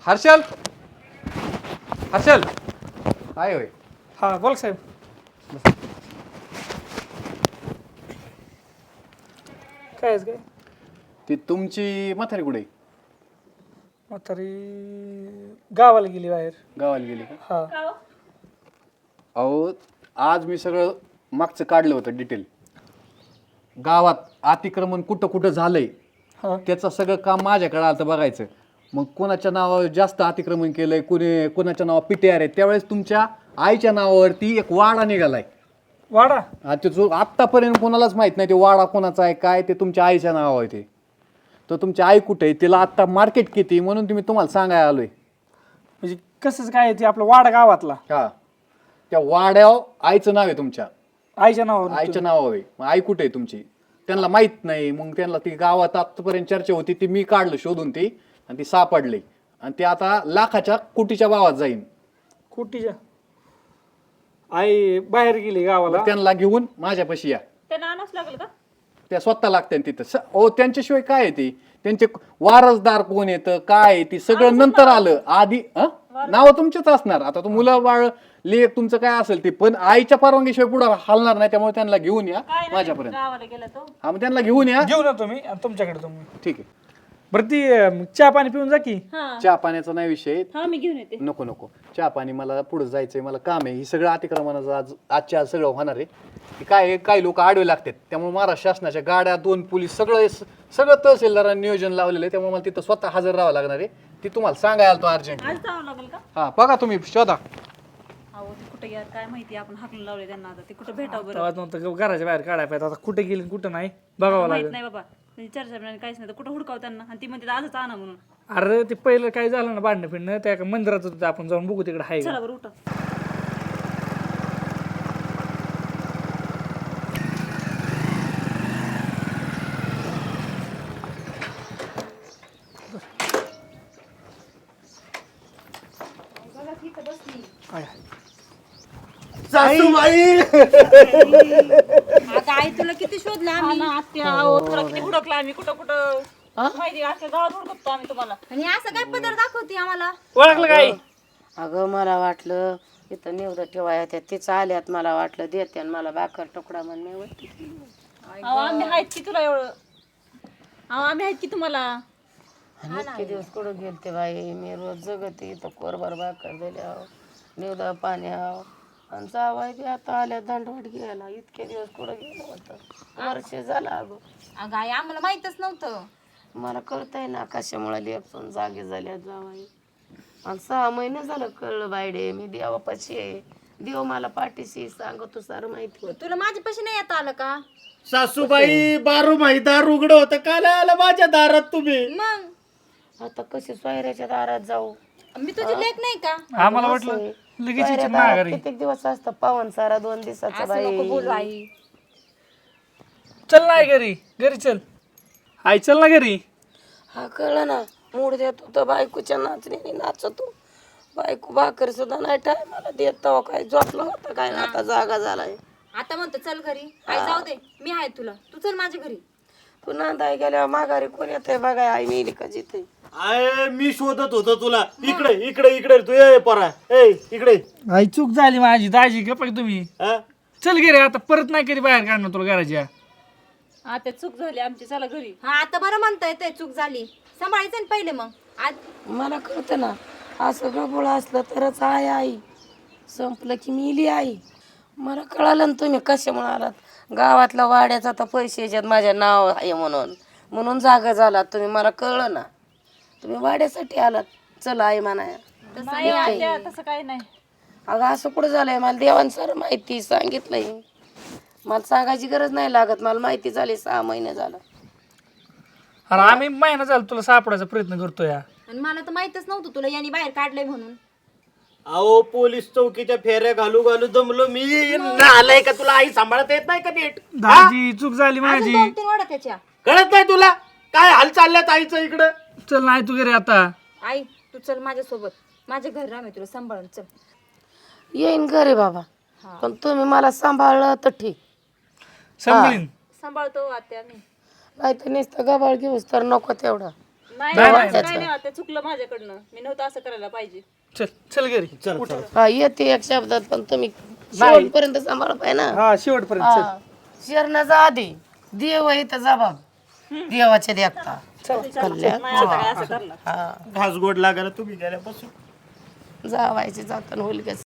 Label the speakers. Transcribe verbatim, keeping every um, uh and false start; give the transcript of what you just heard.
Speaker 1: हर्षल हर्षल काय होय
Speaker 2: हा बोल साहेब. काय आहे काय
Speaker 1: ती तुमची म्हातारी कुठे
Speaker 2: म्हातारी गावाला गेली बाहेर.
Speaker 1: गावाला गेली का?
Speaker 2: हा
Speaker 1: अहो आज मी सगळं मागचं काढलं होतं डिटेल. गावात अतिक्रमण कुठं कुठं झालंय
Speaker 2: हा
Speaker 1: त्याचं सगळं काम माझ्याकडे आलं बघायचं. मग कोणाच्या नावावर जास्त अतिक्रमण केलंय, कोणी कोणाच्या नावावर पी टी आर आहे. त्यावेळेस तुमच्या आईच्या नावावरती एक वाडा निघालाय.
Speaker 2: वाडा
Speaker 1: आता जो आत्तापर्यंत कोणालाच माहित नाही ते वाडा कोणाचा आहे काय, ते तुमच्या आईच्या नावावर आहे. ते तर तुमची आई कुठे आहे, तिला आत्ता मार्केट किती म्हणून तुम्ही तुम्हाला सांगायला आलोय.
Speaker 2: म्हणजे कसंच काय आहे ते आपलं वाडा गावातला
Speaker 1: हा त्या वाड्यावर आईचं नाव आहे तुमच्या
Speaker 2: आईच्या नावावर.
Speaker 1: आईच्या नावावर आहे. मग आई कुठे आहे तुमची त्यांना माहित नाही. मग त्यांना ती गावात आतापर्यंत चर्चा होती ती मी काढलं शोधून ती आणि ती सापडली आणि ती आता लाखाच्या कोटीच्या भावात जाईन.
Speaker 2: कुटीच्या आई बाहेर गेली गावाला.
Speaker 1: मग त्यांना घेऊन माझ्यापाशी या.
Speaker 3: त्यांना आणावंच लागेल का?
Speaker 1: त्या स्वतः लागते तिथं स- ओ त्यांच्याशिवाय काय आहे ती त्यांचे वारसदार कोण येतं काय आहे ती सगळं नंतर आलं. आधी नाव तुमचेच असणार. आता तो मुलं बाळ लेख तुमचं काय असेल ते पण आईच्या परवानगीशिवाय पुढे हलणार नाही. त्यामुळे त्यांना घेऊन या
Speaker 3: काय नाही,
Speaker 1: माझ्यापर्यंत.
Speaker 3: गावाला गेला तो.
Speaker 1: हा मग त्यांना घेऊन या.
Speaker 2: घेऊन येतो मी आणि तुमच्याकडे तुम्ही.
Speaker 1: ठीक आहे.
Speaker 2: बरं ती अं, चहा पाणी पिऊन जा की.
Speaker 3: हा
Speaker 1: चहा पाण्याचा नाही विषय.
Speaker 3: हा मी घेऊन येते.
Speaker 1: नको नको चहा पाणी मला पुढे जायचंय, मला काम आहे. ही सगळं अतिक्रमणाचं आज आजच्या आज सगळं होणार आहे. की काय आहे, काही लोक आडवे लागतात. त्यामुळे महाराष्ट्र शासनाच्या गाड्या दोन पोलीस सगळं सगळं तहसीलदारांनी नियोजन लावलेलं आहे. त्यामुळे मला तिथं स्वतः हजर राहावं लागणार आहे. ती तुम्हाला सांगायला तो अर्जंट.
Speaker 3: आज जावं लागेल का?
Speaker 1: हा बघा तुम्ही शोधा.
Speaker 3: अहो ते कुठे गेलं काय माहिती, आपण हाकलून लावले त्यांना. आता ते कुठे भेटावं बरं?
Speaker 2: तेव्हा नव्हतं घराच्या बाहेर काढायला पाहिजे. आता कुठे गेली कुठं नाही बघावं
Speaker 3: माहित
Speaker 2: लागेल.
Speaker 3: नाही बाबा, त्यांची चर्चा नाही काहीच नाही. तर कुठं हुडकाव त्यांना आणि ती म्हणते आजच आणा म्हणून.
Speaker 2: अरे ते पहिलं काय झालं ना भांडणं फिरणं त्या एका मंदिरात होतं, आपण जाऊन बघू तिकडे आहे का.
Speaker 3: चला बरं उठा.
Speaker 2: आहे.
Speaker 4: सासूबाई
Speaker 5: आता आई तुला किती शोधलं आम्ही.
Speaker 3: ना आत्या, अहो, तुला किती हुडकला आम्ही कुठं कुठं माहिती अख्ख्या गावात हुडकतो आम्ही तुम्हाला.
Speaker 5: आणि असं काय पदर दाखवते आम्हाला.
Speaker 2: ओळखलं काय
Speaker 6: अगं मला वाटलं इथं निवडं ठेवाय होत्या तिचं आल्यात मला वाटलं देते आणि मला भाकर तुकडा म्हण मी वरती केली.
Speaker 3: अहो आम्ही आहेत की तुला एवढं. अहो आम्ही आहेत की तुम्हाला.
Speaker 6: आणि इतके दिवस कुठं गेलते बाई मी रोज जगते इथं कोरभर भाकर दिल्या निवडा पाण्या आणि जावाय बी आता आल्या दंडवट घ्यायला. इतके दिवस कुठं गेलं होतं वर्ष झालं अगं.
Speaker 5: अगं आई आम्हाला माहितच नव्हतं.
Speaker 6: मला कळतंय ना कशामुळे लेपसून जागे झाल्या जावाई. आणि सहा महिने झालं कळलं बायडे मी देवापाशी आहे. देव मला पाठीशी सांगतो सारं माहिती होतं.
Speaker 5: तुला माझ्यापाशी नाही येता आलं का
Speaker 4: सासूबाई बारू दार उघड होतं काल आलं माझ्या दारात तुम्ही.
Speaker 5: मग
Speaker 6: आता कशी सोयऱ्याच्या दारात जाऊ.
Speaker 5: मी तुझी लेख नाही का.
Speaker 2: आम्हाला वाटलं लगेच
Speaker 6: सोयऱ्या
Speaker 2: इच्छा
Speaker 6: दारात
Speaker 2: माघारी.
Speaker 6: कित्येक दिवस असतं पावन सारा दोन दिवसाचा
Speaker 5: असं नको बोलू
Speaker 6: बाई.
Speaker 5: आई.
Speaker 2: चल नाही घरी घरी चल. आई चल ना घरी.
Speaker 6: हा कळलं ना मूड देतो तर बायकोच्या नाचणीने नाचतो. बायको भाकर सुद्धा नाही टायमाला देत तेव्हा काय झोपलं होतं काय ना आता जागा झालाय.
Speaker 5: आता म्हणतो चल घरी. आई जाऊ दे मी आहे तुला. तू चल माझ्या घरी.
Speaker 6: तू नांदाय गेल्यावर माघारी कोण येतंय बघाय आई मेली का जिथे.
Speaker 4: आय मी शोधत होतो तुला. इकडे इकडे इकडे तू ये परा ए इकडे.
Speaker 2: आई चूक झाली माझी दाजी गप्पा तुम्ही.
Speaker 4: हा?
Speaker 2: चल घरी आता परत नाही कधी बाहेर काढणार तुला घराच्या.
Speaker 3: आता चूक झाली आमची, चला घरी.
Speaker 5: हा आता बरं म्हणताय ते चूक झाली. सांभाळायचं ना पहिले मग. आज
Speaker 6: मला कळतं ना असं गबोळ असलं तरच आहे आई. संपलं की मिली आई. मला कळालं ना तुम्ही कशामुळे आलात. गावातल्या वाड्याचा तर पैसे याच्यात माझ्या नाव आहे म्हणून म्हणून जागा झालात तुम्ही. मला कळलं ना तुम्ही वाड्यासाठी आलात. चला आई म्हणाया.
Speaker 3: नाही आत्या, तसं काही नाही.
Speaker 6: अगं असं कुठं झालंय मला देवान सर माहिती सांगितलंय. मला सांगायची गरज नाही लागत. मला माहिती झाली सहा महिने झालं.
Speaker 2: अरे आम्ही महिना झाला तुला सापडायचा प्रयत्न करतोय.
Speaker 5: आणि मला तर माहितच नव्हतं तुला यांनी बाहेर काढलंय म्हणून.
Speaker 4: अहो पोलीस चौकीच्या फेऱ्या घालू घालू दमलो मी. आलंय का तुला आई सांभाळता येत नाही का नीट.
Speaker 2: दाजी चूक झाली
Speaker 5: अजून
Speaker 2: माझी.
Speaker 5: दोन तीन वाडा त्याच्या.
Speaker 4: कळत नाही तुला काय हाल चालल्यात आईचं इकडं.
Speaker 2: चल नाही तू घरी आता.
Speaker 5: आई तू चल माझ्यासोबत. माझ्या घरी राह मी तुला सांभाळून. चल
Speaker 6: येईन घरी बाबा पण तुम्ही मला सांभाळलं तर ठीक.
Speaker 2: सांभाळीन.
Speaker 3: सांभाळतो आत्या मी.
Speaker 6: नाही तर नुसतं गबाळ घेऊस तर नको तेवढा.
Speaker 3: नाही नाही, असं काही नाही, ते चुकलं माझ्याकडनं. मी नव्हतं असं करायला पाहिजे.
Speaker 2: चल चल घरी
Speaker 4: चल चल
Speaker 6: हा येते एक शब्दात पण तुम्ही शेवटपर्यंत सांभाळ पाहिजे ना
Speaker 2: हा शेवटपर्यंत चल.
Speaker 6: हा. शिरण्याचा आधी देव आहे तर जबाब देवाच्या देखता कल्याण
Speaker 3: नाही आता काय असं करणार.
Speaker 6: हा
Speaker 4: घास गोड लागायला तुम्ही गेल्यापासून
Speaker 6: जावायचे जाताना होईल